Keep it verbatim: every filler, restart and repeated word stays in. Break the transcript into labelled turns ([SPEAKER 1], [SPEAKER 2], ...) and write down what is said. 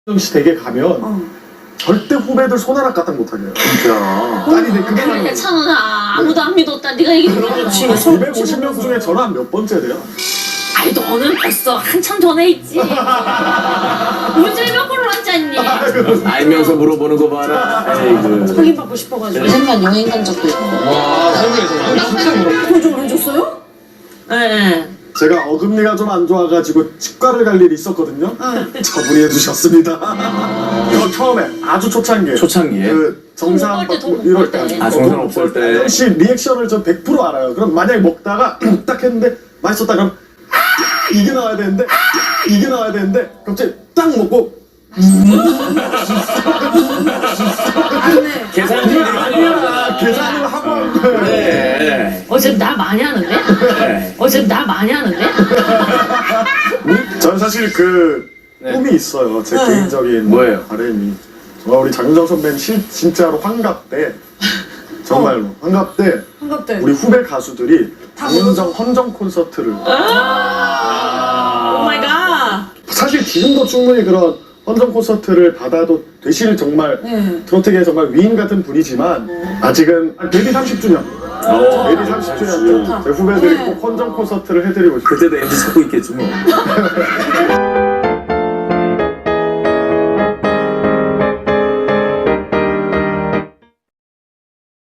[SPEAKER 1] 씨 댁에 가면
[SPEAKER 2] 어.
[SPEAKER 1] 절대 후배들 손가락 까딱 못하게 해요.
[SPEAKER 3] 진짜.
[SPEAKER 1] 아니 근데 그게
[SPEAKER 4] 그래
[SPEAKER 1] 말이야.
[SPEAKER 4] 찬원아 아무도 안 믿었다 네가 얘기 들어보지.
[SPEAKER 1] 이백오십 명 중에 저는 한 몇 번째 돼요?
[SPEAKER 4] 아니 너는 벌써 한참 전에 있지. 문제를 몇 번을 앉았니?
[SPEAKER 3] 알면서 물어보는 거 봐라. 에이그.
[SPEAKER 2] 확인받고 싶어가지고.
[SPEAKER 5] 잠깐 여행 간 적도 있고.
[SPEAKER 3] 와, 설명해서 진짜 물어봐.
[SPEAKER 2] 그걸 좀 해줬어요?
[SPEAKER 4] 네.
[SPEAKER 1] 제가 어금니가 좀 안 좋아가지고 치과를 갈 일이 있었거든요. 저분이 해주셨습니다. 이거 처음에 아주 초창기에
[SPEAKER 3] 초창기에?
[SPEAKER 1] 그 정상
[SPEAKER 4] 돈
[SPEAKER 1] 받고
[SPEAKER 4] 먹을 때,
[SPEAKER 1] 이럴
[SPEAKER 4] 돈
[SPEAKER 1] 때
[SPEAKER 4] 먹을 때.
[SPEAKER 3] 아, 정상 없을 때.
[SPEAKER 1] 혹시 리액션을 저 백 퍼센트 알아요. 그럼 만약에 먹다가 딱 했는데 맛있었다 그럼 아! 이게 나와야 되는데 아! 이게 나와야 되는데 갑자기 딱 먹고
[SPEAKER 3] 계산이 아니야.
[SPEAKER 1] 계산을 하고 한 거예요.
[SPEAKER 3] 네.
[SPEAKER 4] 어차피 날 많이 하는데?
[SPEAKER 3] 네.
[SPEAKER 4] 어차피 날 많이 하는데?
[SPEAKER 1] 전 사실 그
[SPEAKER 3] 네.
[SPEAKER 1] 꿈이 있어요. 제
[SPEAKER 2] 네.
[SPEAKER 1] 개인적인
[SPEAKER 3] 뭐예요?
[SPEAKER 1] 바람이. 정말 우리 장윤정 선배님 실, 진짜로 환갑 때 정말로 환갑 때
[SPEAKER 2] 한갑 때.
[SPEAKER 1] 우리 후배 가수들이 장윤정 헌정 콘서트를
[SPEAKER 2] 오 마이 갓.
[SPEAKER 1] 사실 지금도 충분히 그런 헌정 콘서트를 받아도 되실 정말
[SPEAKER 2] 네.
[SPEAKER 1] 트로트계의 정말 위인 같은 분이지만 아직은 데뷔 삼십 주년
[SPEAKER 3] 오.
[SPEAKER 1] 데뷔 삼십 주년 때 제 후배들이
[SPEAKER 2] 네.
[SPEAKER 1] 꼭 헌정 콘서트를 해드리고 싶어요.
[SPEAKER 3] 그때도 엠지 찾고 있겠지 뭐.